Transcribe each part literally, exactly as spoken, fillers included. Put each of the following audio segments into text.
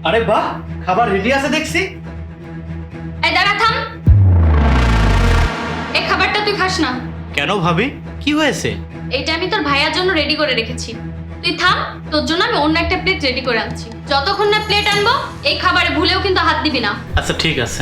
আরে বাহ, খাবার রেডি আছে দেখছি। এই দাঁড়া, থাম। এই খাবারটা তুই খাস না। কেন ভাবি, কি হয়েছে? এইটা আমি তোর ভাইয়ার জন্য রেডি করে রেখেছি। তুই থাম, তোর জন্য আমি অন্য একটা প্লেট রেডি করে আনছি। যতক্ষণ না প্লেট আনবো এই খাবারে ভুলেও কিন্তু হাত দিবি না। আচ্ছা ঠিক আছে।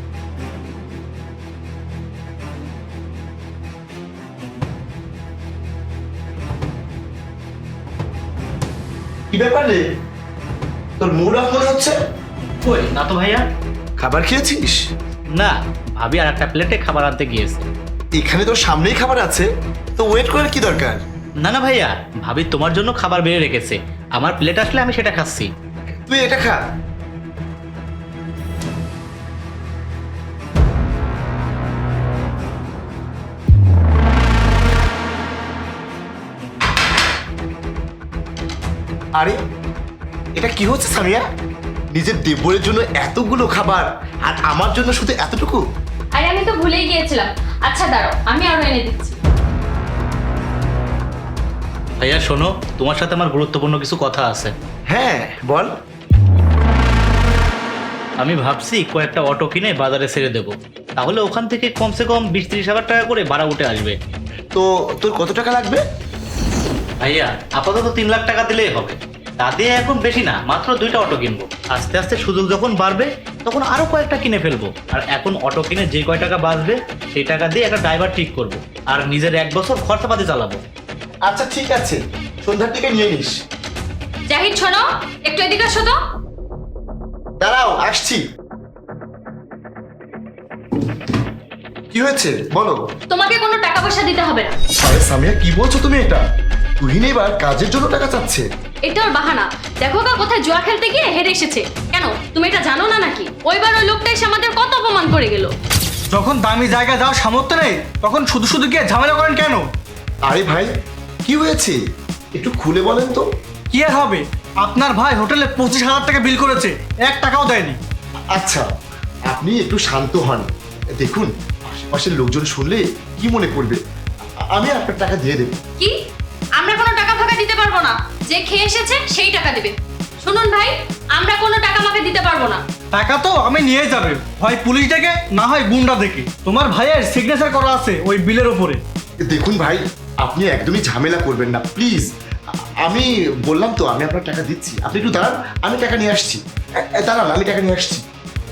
কি ব্যাপার রে, তোর মুড অফ মনে হচ্ছে? কই না তো ভাইয়া। খাবার খেয়েছিস? না, ভাবি আর একটা প্লেটে খাবার আনতে গিয়েছে। এখানে তোর সামনেই খাবার আছে, তো ওয়েট করার কি দরকার? না না ভাইয়া, ভাবি তোমার জন্য খাবার বেড়ে রেখেছে। আমার প্লেট আসলে আমি সেটা খাচ্ছি। তুই এটা খা। আরে এটা কি হচ্ছে সামিয়া? নিজের দেবরের জন্য এতগুলো খাবার আর আমার জন্য শুধু এতটুকু? আরে আমি তো ভুলেই গিয়েছিলাম। আচ্ছা দাঁড়াও, আমি আরো এনে দিচ্ছি। ভাইয়া শোনো, তোমার সাথে আমার গুরুত্বপূর্ণ কিছু কথা আছে। হ্যাঁ বল। আমি ভাবছি কয়েকটা অটো কিনে বাজারে ছেড়ে দেবো, তাহলে ওখান থেকে কমসে কম বিশ ত্রিশ হাজার টাকা করে ভাড়া উঠে আসবে। তো তোর কত টাকা লাগবে? ভাইয়া আপাতত তিন লাখ টাকা দিলেই হবে। তা দিয়ে এখন বেশি না, মাত্র দুইটা অটো কিনবো। আস্তে আস্তে সুযোগ যখন বাড়বে তখন আরো কয়েকটা কিনে ফেলবো। আর এখন অটো কিনে যে কয় টাকা বাঁচবে সেই টাকা দিয়ে একটা ড্রাইভার ঠিক করব, আর নিজের এক বছর খরচাপাতি চালাবো। আচ্ছা ঠিক আছে, সন্ধ্যার দিকে নিয়ে নিস। জাহিদ শোনো, একটু এদিকে আসো তো। দাঁড়াও আসছি। কি হয়েছে বলো? তোমাকে কোনো টাকা পয়সা দিতে হবে না। আরে সামিয়া কি বলছো তুমি এটা? তুহিন এবার কাজের জন্য টাকা চাচ্ছে। এটা ওর বাহানা। দেখো গা, কোথায় জুয়া খেলতে গিয়ে হেরে এসেছে। কেন তুমি এটা জানো না নাকি? ওইবার ওই লোকটা এসে আমাদের কত অপমান করে গেল। যখন দামি জায়গায় যাওয়ার সামর্থ্য নেই তখন শুধু শুধু গিয়ে ঝামেলা করেন কেন? আরে ভাই কি হয়েছে একটু খুলে বলেন তো। কি আর হবে, আপনার ভাই হোটেলে পঁচিশ হাজার টাকা বিল করেছে, এক টাকাও দেয়নি। আচ্ছা আপনি একটু শান্ত হন। দেখুন আশেপাশের লোকজন শুনলে কি মনে করবে। আমি আপনার টাকা দিয়ে দেবো। কি? আমরা কোনো টাকা ফাঁকা দিতে পারবো না। যে খেয়ে এসেছে সেই টাকা দেবে। শুনুন ভাই, আমরা কোনো টাকা মাকে দিতে পারবো না। টাকা তো আমি নিয়ে যাবে, হয় পুলিশ ডেকে না হয় গুন্ডা দেখে। তোমার ভাইয়ের সিগনেচার করা আছে ওই বিলের ওপরে। দেখুন ভাই, আপনি একদমই ঝামেলা করবেন না প্লিজ। আমি বললাম তো আমি আপনার টাকা দিচ্ছি, আপনি একটু দাঁড়ান, আমি টাকা নিয়ে আসছি। এ- এ, দাঁড়ান আমি টাকা নিয়ে আসছি।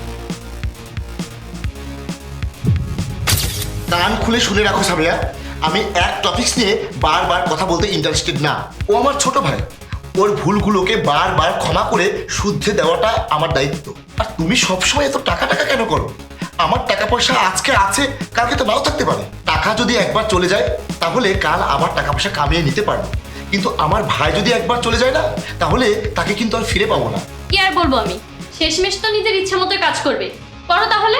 কান খুলে শুনে রাখো সামিয়া, আমি এক টপিকস নিয়ে বারবার কথা বলতে ইন্টারেস্টেড না। ও আমার ছোট ভাই, ওর ভুলগুলোকে বারবার ক্ষমা করে শুদ্ধে দেওয়াটা আমার দায়িত্ব। আর তুমি সবসময় এত টাকা টাকা কেন করো? আমার টাকা পয়সা আজকে আছে, কালকে তো নাও থাকতে পারে। টাকা যদি একবার চলে যায় তাহলে কাল আমার টাকা পয়সা কামিয়ে নিতে পারবো, কিন্তু আমার ভাই যদি একবার চলে যায় না তাহলে তাকে কিন্তু আর ফিরে পাবো না। কি আর বলবো আমি, শেষমেশ তো নিজের ইচ্ছা মতো কাজ করবে। করো তাহলে।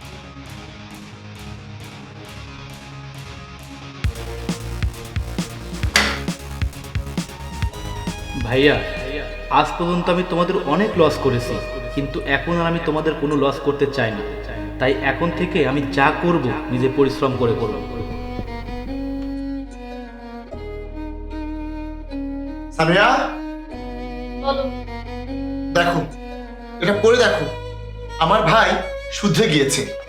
ভাইয়া আজ পর্যন্ত আমি তোমাদের অনেক লস করেছি, কিন্তু এখন আর আমি তোমাদের কোনো লস করতে চাই না। তাই এখন থেকে আমি যা করব নিজে পরিশ্রম করে করব। সামিয়া বলো। দেখো, এটা পড়ে দেখো, আমার ভাই শুদ্ধে গিয়েছে।